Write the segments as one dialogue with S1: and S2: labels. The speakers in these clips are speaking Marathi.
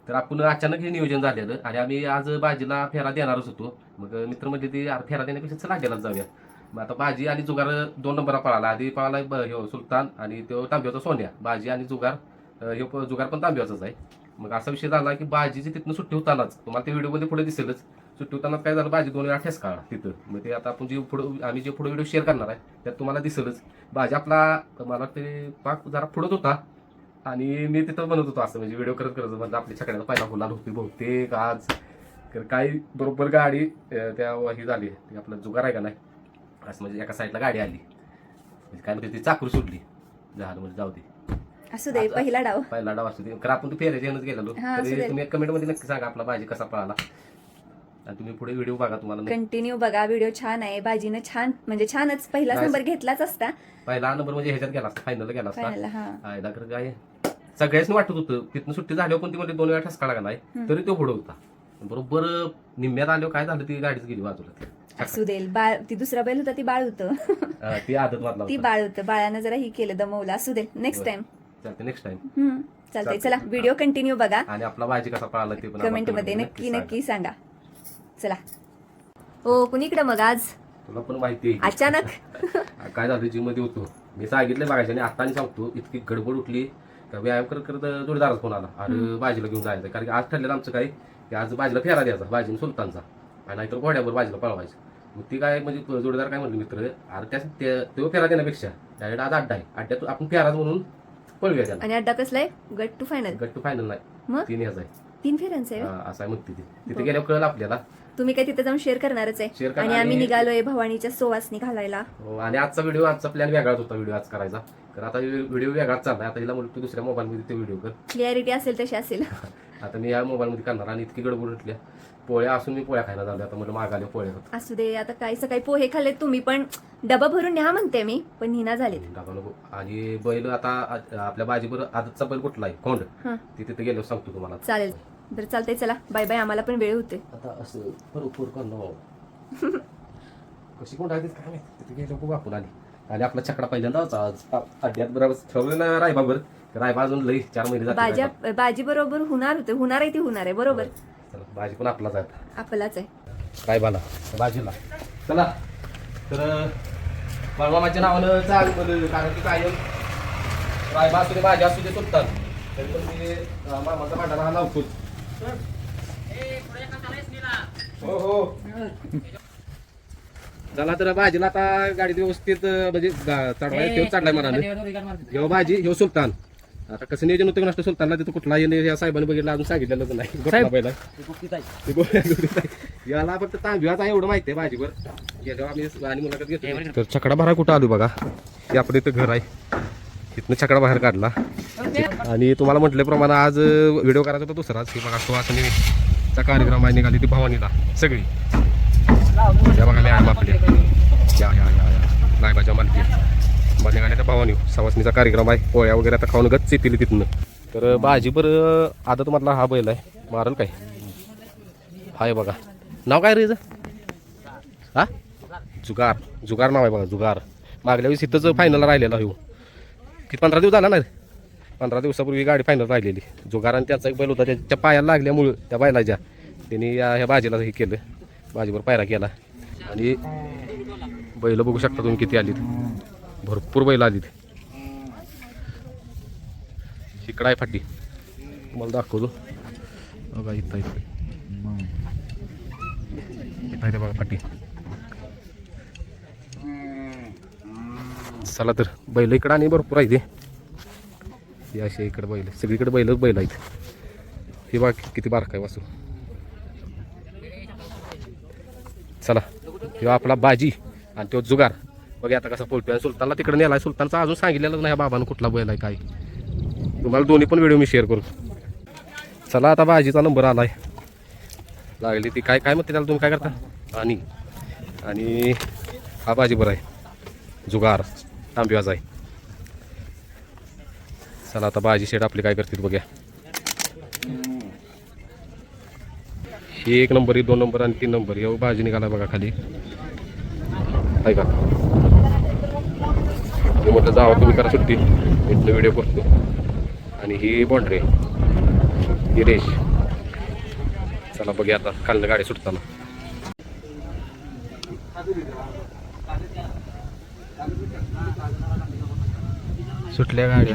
S1: तर आपण अचानक हे नियोजन झालेलं आणि आम्ही आज बाजीला फेरा देणारच होतो. मग मित्र म्हणजे ते फेरा देण्यापेक्षा चला गेलाच जाऊया. मग आता बाजी आणि जुगार 2 नंबरला पळाला. आधी पळाला ह्यो सुलतान आणि तो तांब्याचा सोन्या. बाजी आणि जुगार ह्यो जुगार पण तांब्याचाच आहे. मग असा विषय झाला की बाजीची तिथनं सुट्टी होतानाच तुम्हाला ते व्हिडिओमध्ये पुढे दिसेलच. सुट्टी होताना काय झालं, बाजी 2 वेळा ठेसकाळा तिथं. मग ते आता आपण जे पुढं आम्ही जे पुढे व्हिडिओ शेअर करणार आहे त्यात तुम्हाला दिसेलच. बाजी आपला मला ते पाक जरा पुढत होता आणि मी तिथं बनवत होतो असं म्हणजे व्हिडिओ करत करत म्हणजे आपली छकड्याला पहिला गुलाल होती बहुतेक आज. तर काही बरोबर गाडी त्या ही झाली ती आपलं जुगार आहे का नाही असं म्हणजे एका साईडला गाडी आली म्हणजे काय म्हणते ती चाकूर सुटली. झालं म्हणजे जाऊ दे
S2: असू दे, पहिला डाव
S1: असू दे. कारण आपण तू फेऱ्याच्यानंच गेलेलो. तरी तुम्ही कमेंट मध्ये नक्की सांगा आपला बाजी कसा पळाला आणि तुम्ही पुढे व्हिडिओ बघा. तुम्हाला
S2: कंटिन्यू बघा, व्हिडिओ छान आहे. बाजीनं छान म्हणजे छानच पहिलाच नंबर घेतलाच असता.
S1: पहिला नंबर म्हणजे ह्याच्यात गेला असता, फायनल गेला असता.
S2: फायनल
S1: काय सगळ्याच वाटत होतं तिथनं सुट्टी झाल्यावर पण ती म्हणजे 2 वेळा ठसकाळा का नाही तरी तो पुढे होता. बरोबर निम्म्यात आल्यावर काय झालं, ती गाडीच गेली बाजूला.
S2: असू दे, बाळ ती दुसरा बैल होता ती बाळ होतं.
S1: ती आदत मारला
S2: ती बाळ होतं, बाळानं जरा ही केलं दमवलं. असू दे, नेक्स्ट टाइम
S1: चालते. नेक्स्ट टाइम
S2: चालतंय. चला व्हिडिओ कंटिन्यू बघा
S1: आणि आपला बाजी कसा पळाला ते पण
S2: कमेंट मध्ये नक्की नक्की सांगा. चला हो, कुणीकडे मग आज
S1: तुला पण माहिती आहे
S2: अचानक
S1: काय झालं, जिम मध्ये होतो मी सांगितलं बघायचं आणि आता आणि सांगतो इतकी गडबड उठली तर व्यायाम करत करत जोडीदारच फोन आला. अरे बाजीला घेऊन जायचं कारण की आज ठरलेलं आमचं काय की आज बाजीला फेरा द्यायचा, बाजीने सुलतानचा आणि नाहीतर घोड्यावर बाजीला पळवायचं. मग ती काय म्हणजे जोडीदार काय म्हणले मित्र, अरे तो फेरा देण्यापेक्षा डायरेक्ट आज अड्डा आहे, अड्ड्यात आपण फेराच म्हणून पळूया त्याला.
S2: आणि अड्डा कसलाय? गट टू फायनल
S1: नाही
S2: मग
S1: 3 ह्याचा आहे,
S2: 3 फेऱ्यांचं आहे.
S1: असं आहे म्हणते ती. तिथे गेल्यावर कळलं आपल्याला.
S2: तुम्ही काय तिथे जाऊन शेअर करणारच आहे. आणि आम्ही निघालोय भवानीच्या सोवासनी घालायला.
S1: आणि आजचा प्लॅन वेगळाच होता व्हिडिओ आज करायचा. तर आता व्हिडिओ वेगळाच चाललाय. आता हिला म्हणतो दुसऱ्या मोबाईल मध्ये ते व्हिडिओ कर,
S2: क्लिअरिटी असेल तशी असेल.
S1: आता मी या मोबाईल मध्ये करणार. आणि इतकी गडबड उठल्या पोळ्या असून मी पोळ्या खायला झालो. आता मला मागाले पोळ्या होत.
S2: असू दे, आता काय सकाळी पोहे खाल्ले तुम्ही पण डबा भरून न्या म्हणते मी, पण निना झाले.
S1: आणि बैल आता आपल्या बाजीवर आजचा बैल कुठला आहे कोंड ती तिथे गेलो सांगतो तुम्हाला.
S2: चालेल, बरं चालतंय. चला बाय बाय, आम्हाला पण वेळ होते.
S1: आता असं भरपूर करणं कशी कोण आहे काय माहिती. तिथे गेलो खूप आपण आली आणि आपला छकडा पहिल्यांदाच आज अड्ड्यात बरोबर ठरवलं ना रायबाबर. रायबा अजून लई 4 महिने जाते.
S2: बाजी बरोबर होणार आहे ती होणार आहे बरोबर.
S1: बाजी पण आपलाच आहे,
S2: आपलाच आहे
S1: रायबाला बाजीला. चला तर बाळमामाच्या नावानं चाल कारण की काय रायबा असू दे बाजी असू दे सुलतान तरी पण मी मामाचा भांडारा हा लावतोच. हो हो चला तर बाजीला आता गाडीत व्यवस्थित म्हणजे चढवाय तेव्हा चढलाय मला. ह्यो बाजी ह्यो सुलतान. आता कसं नियोजन होतं नसतं सुलतानला तिथं कुठला या साहेबांनी बघितलं अजून सांगितलेलंच नाही. पहिला याला फक्त तांब्याचा एवढं माहिती आहे बाजीवर गेल्यावर आम्ही आणि मुलाखत घेतो. तर छकडा बाहेर कुठं आलो बघा, हे आपण इथं घर आहे इथनं छकडा बाहेर काढला. आणि तुम्हाला म्हटल्याप्रमाणे आज व्हिडिओ करायचा होता दुसराच. हे बघा सुवासनीचा कार्यक्रम आहे, निघाली ती भवानीला सगळी. त्या बघा मॅडम आपले या लायबाच्या मालकी निघाल्याच्या भवानी सवासनीचा कार्यक्रम आहे. पोळ्या वगैरे आता खाऊन गच्च येतील तिथनं. तर बाजीवर आता तुम्हाला हा बैल आहे मारल काय हाय बघा. नाव काय रे हा? जुगार. जुगार नाव आहे बघा, जुगार. मागल्या वेळेस इथंच फायनल राहिलेला हो. किती 15 दिवस झाला ना, 15 दिवसापूर्वी गाडी फायनल राहिलेली. जुगार आणि त्याचा एक बैल होता त्याच्या पायाला लागल्यामुळं त्या बैलाच्या त्यांनी ह्या बाजीला हे केलं, बाजीवर पायरा केला. आणि बैल बघू शकता तुम्ही किती आलीत, भरपूर बैल आलीत. इकडं आहे फाटी तुम्हाला दाखवतो बघा. इथं इथं बघा फाटी. चला तर बैल इकडं आणि भरपूर आहे ते असे इकडे बैल सगळीकडे बैल आहेत. हे बघा किती बारकाय वासू. चला हे आपला बाजी आणि तो जुगार बघा आता कसा पोलतोय. सुलतानला तिकडे नेलाय. सुलतानचा अजून सांगितलेलं नाही बाबानं कुठला बैल आहे काय. तुम्हाला दोन्ही पण व्हिडिओ मी शेअर करू. चला आता बाजीचा नंबर आलाय लागली ती काय काय म्हणते त्याला तुम्ही काय करता. आणि हा बाजी बरं आहे जुगार तांब्याचा आहे. चला आता बाजी शेट आपली काय करतील बघ्या. 1 नंबर 2 नंबर आणि 3 नंबर हे बाजी निघाला बघा खाली आहे का. म्हटलं जावं तुम्ही करा सुट्टी इथलं व्हिडिओ करतो. आणि ही बॉन्ड्री ही रेश चला बघूया आता खालनं गाडी सुटताना. सुटल्या गाड्या.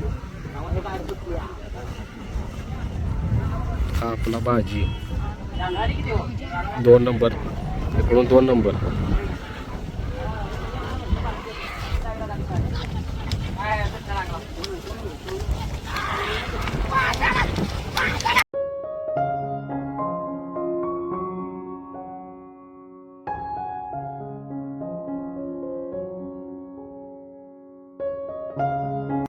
S1: हा आपला भाजी 2 नंबर, इकडून 2 नंबर.